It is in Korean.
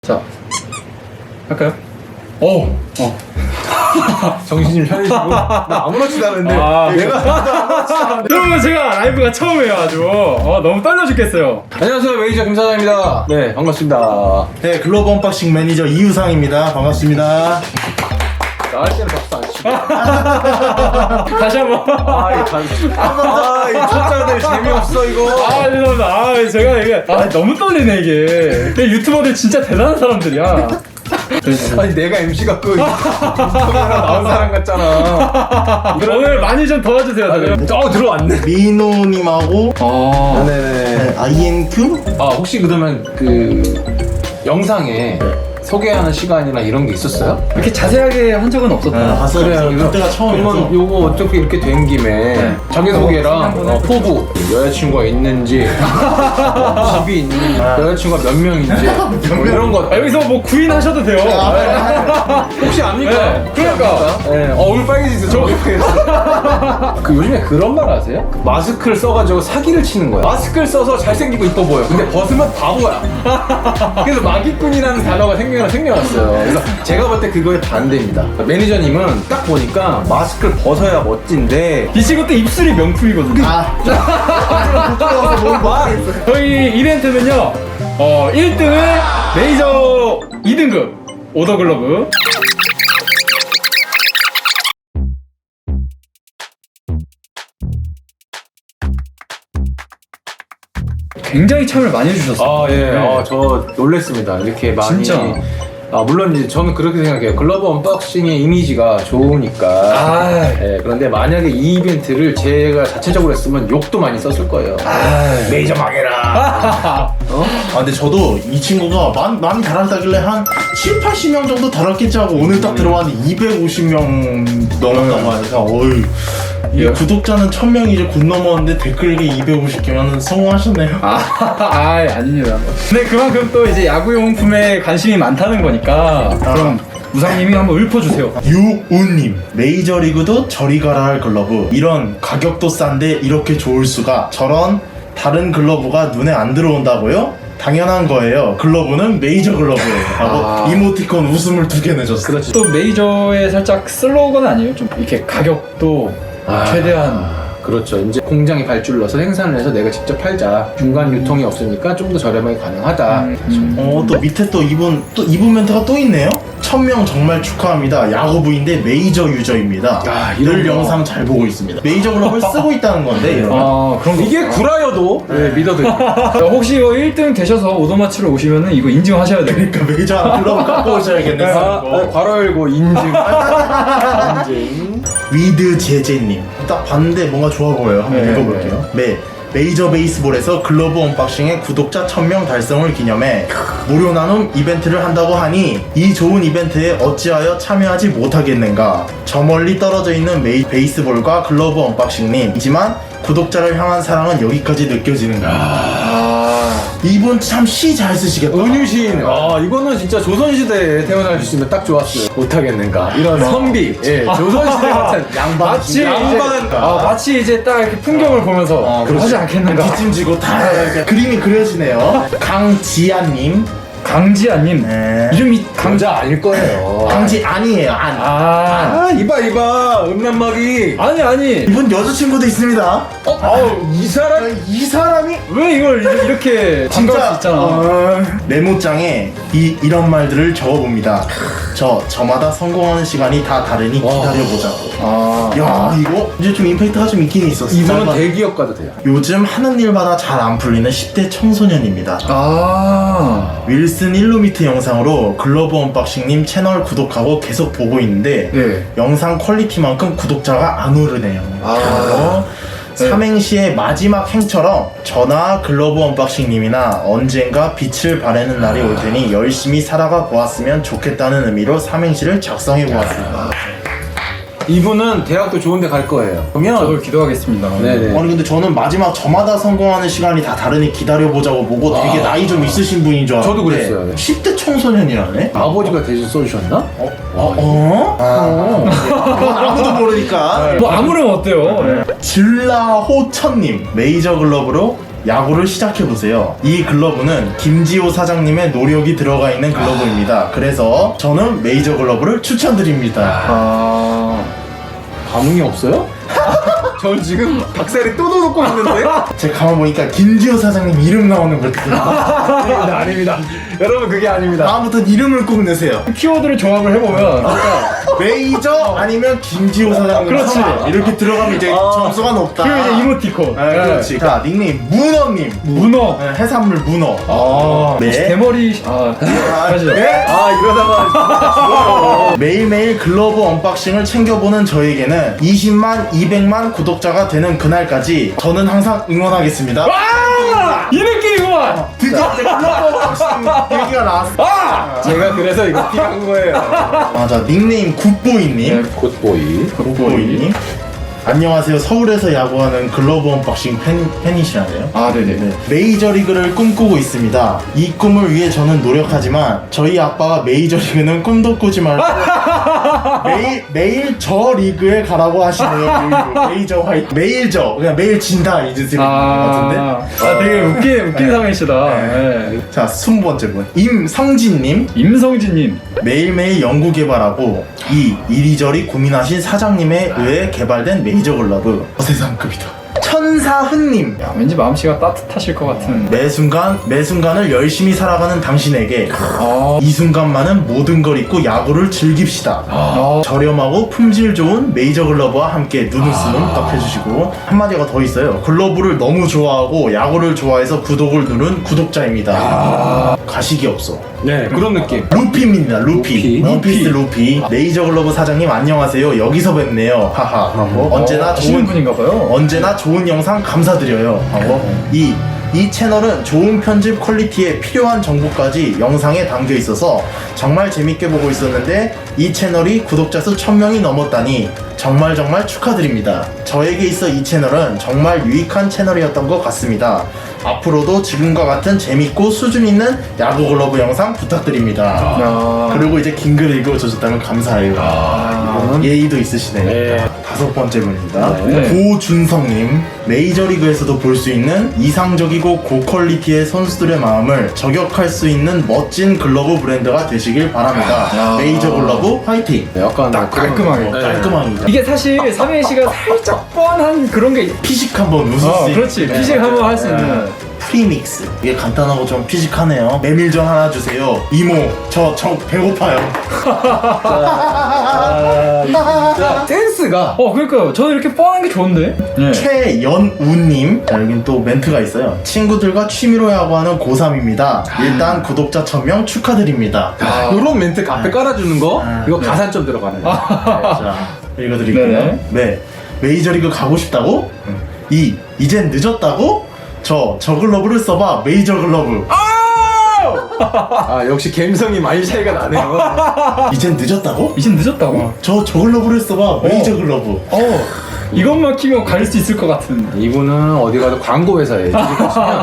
자, 할까요? 정신 좀 차리시고. 나 아무렇지도 않은데. 내가 여러분, 제가 라이브가 처음이에요. 아주 너무 떨려 죽겠어요. 안녕하세요, 매니저 김사장입니다. 네, 반갑습니다. 네, 글로벌 언박싱 매니저 이우상입니다. 반갑습니다. 나할 때는 박수 안 치고. 다시 한번. 이 초짜들 재미없어 이거. 죄송합니다. 제가 이게 너무 떨리네 이게. 유튜버들 진짜 대단한 사람들이야. 아니 내가 MC 갖고 인터뷰하러 나온 사람 같잖아. 오늘 많이 좀 도와주세요. 다들. 들어왔네. 민호님하고 네네. INQ? 혹시 그러면 그 영상에 소개하는 시간이나 이런 게 있었어요? 이렇게 자세하게 한 적은 없었다. 봤어요. 그때가 처음이어서. 그러면 요거 어차피 이렇게 된 김에 자기소개랑 포부, 여자친구가 있는지, 집이 있는지, 여자친구가 몇 명인지 뭐 이런 거. 여기서 뭐 구인하셔도 돼요. 혹시 압니까? 네, 그러니까. 네. 얼굴 빨개지세요. 저 얼굴 빨개졌어. 그 요즘에 그런 말 아세요? 그 마스크를 써가지고 사기를 치는 거야. 마스크를 써서 잘생기고 이뻐 보여. 근데 벗으면 바보야. 그래서 마기꾼이라는 단어가 생겨났어요. 그래서 제가 볼 때 그거의 반대입니다. 매니저님은 딱 보니까 마스크를 벗어야 멋진데 이 친구 또 입술이 명품이거든요. 부끄러워서 못 말하겠어요. 저희 이벤트는요, 1등은 메이저 2등급 오더글러브, 굉장히 참여를 많이 해주셨어요. 네. 저 놀랬습니다. 이렇게 많이. 진짜. 물론 이제 저는 그렇게 생각해요. 글러브 언박싱의 이미지가 좋으니까. 그런데 만약에 이 이벤트를 제가 자체적으로 했으면 욕도 많이 썼을 거예요. 메이저 망해라. 근데 저도 이 친구가 많이 달았다길래 한 7, 80명 정도 달았겠지 하고 오늘 딱 들어왔는데 250명 넘었다고 하니까 어휴. 이 구독자는 1000명이 이제 곧 넘었는데 댓글이 250개면 성공하셨네요. 아닙니다. 근데 그만큼 또 이제 야구용품에 관심이 많다는 거니까. 그럼 우상님이 한번 읊어주세요. 유우님, 메이저리그도 저리 가라 할 글러브. 이런 가격도 싼데 이렇게 좋을 수가. 저런 다른 글러브가 눈에 안 들어온다고요? 당연한 거예요. 글러브는 메이저 글러브예요. 하고 이모티콘 웃음을 2개 내줬어요. 그렇지. 또 메이저의 살짝 슬로건 아니에요? 좀 이렇게 가격도 최대한. 그렇죠. 이제 공장에 발주를 넣어서 생산을 해서 내가 직접 팔자. 중간 유통이 없으니까 좀 더 저렴하게 가능하다. 또 밑에 또 이분 멘트가 또 있네요. 1000명 정말 축하합니다. 야구부인데 메이저 유저입니다. 늘 영상 잘 보고 있습니다. 메이저 글러브를 쓰고 있다는 건데 이러면. 그럼 이게 구라여도 믿어도 혹시 이거 1등 되셔서 오더마치로 오시면은 이거 인증하셔야 돼요. 그러니까 메이저 하나 글러브 갖고 오셔야겠네. 괄호 열고 인증. 위드 제제님 딱 봤는데 뭔가 좋아 보여요. 한번 읽어볼게요. 메이저 베이스볼에서 글러브 언박싱의 구독자 1000명 달성을 기념해 무료 나눔 이벤트를 한다고 하니 이 좋은 이벤트에 어찌하여 참여하지 못하겠는가. 저 멀리 떨어져 있는 베이스볼과 글러브 언박싱님이지만 구독자를 향한 사랑은 여기까지 느껴지는가. 이분 참 시 잘 쓰시겠다. 은유신. 이거는 진짜 조선시대에 태어날 수 있으면 딱 좋았어요. 못하겠는가. 이런 선비. 조선시대 같은 양반. 마치 이제 딱 이렇게 풍경을 보면서 하지 않겠는가. 뒷짐지고 다 이렇게 그림이 그려지네요. 강지아님. 강지아님. 이름이 강자 아닐 거예요. 강지 아니에요. 이봐. 음란마귀. 아니. 이분 여자친구도 있습니다. 이 이 사람이 왜 이걸 이렇게 반가울 수 있잖아. 메모장에 이런 말들을 적어봅니다. 저마다 성공하는 시간이 다 다르니 기다려보자고. 야, 이거 이제 좀 임팩트가 좀 있긴 있었어. 이분은 대기업 가도 돼요. 요즘 하는 일마다 잘 안 풀리는 10대 청소년입니다. 윌슨 1루미트 영상으로 글러브 언박싱님 채널 구독하고 계속 보고 있는데 영상 퀄리티만큼 구독자가 안 오르네요. 삼행시의 마지막 행처럼 저나 글러브 언박싱님이나 언젠가 빛을 발하는 날이 올 테니 열심히 살아가 보았으면 좋겠다는 의미로 삼행시를 작성해 보았습니다. 이분은 대학도 좋은데 갈 거예요. 그러면 저도 기도하겠습니다. 네네. 아니 근데 저는 마지막 저마다 성공하는 시간이 다 다르니 기다려보자고 보고 되게 나이 좀 있으신 분인 줄 알았는데 저도 그랬어요. 네. 10대 청소년이라네? 아버지가 대신 써주셨나? 그건 아무도 모르니까. 뭐 아무렴 어때요? 질라호천님 메이저 글러브로 야구를 시작해보세요. 이 글러브는 김지호 사장님의 노력이 들어가 있는 글러브입니다. 그래서 저는 메이저 글러브를 추천드립니다. 반응이 없어요? 전 지금 닭살이 또 돋고 있는데? 제가 가만 보니까 김지호 사장님 이름 나오는 걸 아닙니다, 아닙니다. 여러분, 그게 아닙니다. 다음부터는 이름을 꼭 내세요. 키워드를 조합을 해보면 진짜 메이저 아니면 김지호 사장님. 그렇지. 이렇게 들어가면 이제 점수가 높다. 그리고 이제 이모티콘. 네, 그렇지. 자, 닉네임 문어님. 문어. 네, 해산물 문어. 혹시 네. 대머리 하시죠? 네? 아, 이러다가. 매일매일 글러브 언박싱을 챙겨보는 저에게는 20만, 200만 구독자가 되는 그날까지 저는 항상 응원하겠습니다. 이 느낌이구만. 드디어 이제 글러브 언박싱 얘기가 나왔어. 제가 그래서 이거 피한 거예요. 맞아. 닉네임 굿보이님. 굿보이. 굿보이님. 안녕하세요. 서울에서 야구하는 글러브 언박싱 팬이시라네요. 아, 네네. 네. 메이저리그를 꿈꾸고 있습니다. 이 꿈을 위해 저는 노력하지만 저희 아빠가 메이저리그는 꿈도 꾸지 말고 매일 저 리그에 가라고 하시네요. 메이저 화이트. 매일 저. 그냥 매일 진다 이 뜻인 것 같은데. 되게 웃긴 상이시다. 네. 자, 20번째 분. 임성진님. 임성진님. 매일매일 연구 개발하고 이리저리 고민하신 사장님에 의해 개발된 메이저 글러브 세상급이다. 천사흔님. 야, 왠지 마음씨가 따뜻하실 것 같은. 매순간을 열심히 살아가는 당신에게 이 순간만은 모든 걸 잊고 야구를 즐깁시다. 저렴하고 품질 좋은 메이저 글러브와 함께 누누스는 딱 해주시고 한마디가 더 있어요. 글러브를 너무 좋아하고 야구를 좋아해서 구독을 누른 구독자입니다. 가식이 없어. 네, 그런 느낌. 루피입니다. 루피. 루피. 루피. 메이저 글러브 사장님 안녕하세요. 여기서 뵙네요. 하하. 하고 언제나 아시는 좋은 분인가봐요. 언제나 좋은 영상 감사드려요. 하고 이 채널은 좋은 편집 퀄리티에 필요한 정보까지 영상에 담겨 있어서 정말 재밌게 보고 있었는데 이 채널이 구독자 수 1000명이 넘었다니 정말 축하드립니다. 저에게 있어 이 채널은 정말 유익한 채널이었던 것 같습니다. 앞으로도 지금과 같은 재밌고 수준 있는 야구 글러브 영상 부탁드립니다. 그리고 이제 긴 글 읽어주셨다면 감사해요. 이거는 예의도 있으시네. 네. 5번째 분입니다. 네. 고준성님. 메이저리그에서도 볼 수 있는 이상적이고 고퀄리티의 선수들의 마음을 저격할 수 있는 멋진 글러브 브랜드가 되시길 바랍니다. 메이저 글러브 화이팅! 약간 딱 깔끔하게. 깔끔하게. 이게 사실 삼행시가 살짝 뻔한 그런 게. 피식 한번 웃을 수 있는. 그렇지. 피식 한번 할 수 있는. 프리믹스. 이게 간단하고 좀 피식하네요. 메밀전 하나 주세요. 이모, 저 배고파요. 자, 센스가. 그러니까요. 저는 이렇게 뻔한 게 좋은데. 네. 최연우님. 자, 여긴 또 멘트가 있어요. 친구들과 취미로 야구하는 고3입니다. 일단 구독자 1000명 축하드립니다. 이런 멘트 앞에 깔아주는 거, 이거 가산점 들어가는 거. 자, 읽어드릴게요. 네. 메이저리그 가고 싶다고? 이젠 늦었다고? 저 글러브를 써봐. 메이저 글러브. 아, 역시 감성이 많이 차이가 나네요. 이젠 늦었다고? 이젠 늦었다고? 저 글러브를 써봐. 메이저 글러브. 이것만 키면 갈 수 있을 것 같은. 이분은 어디 가도 광고 회사에.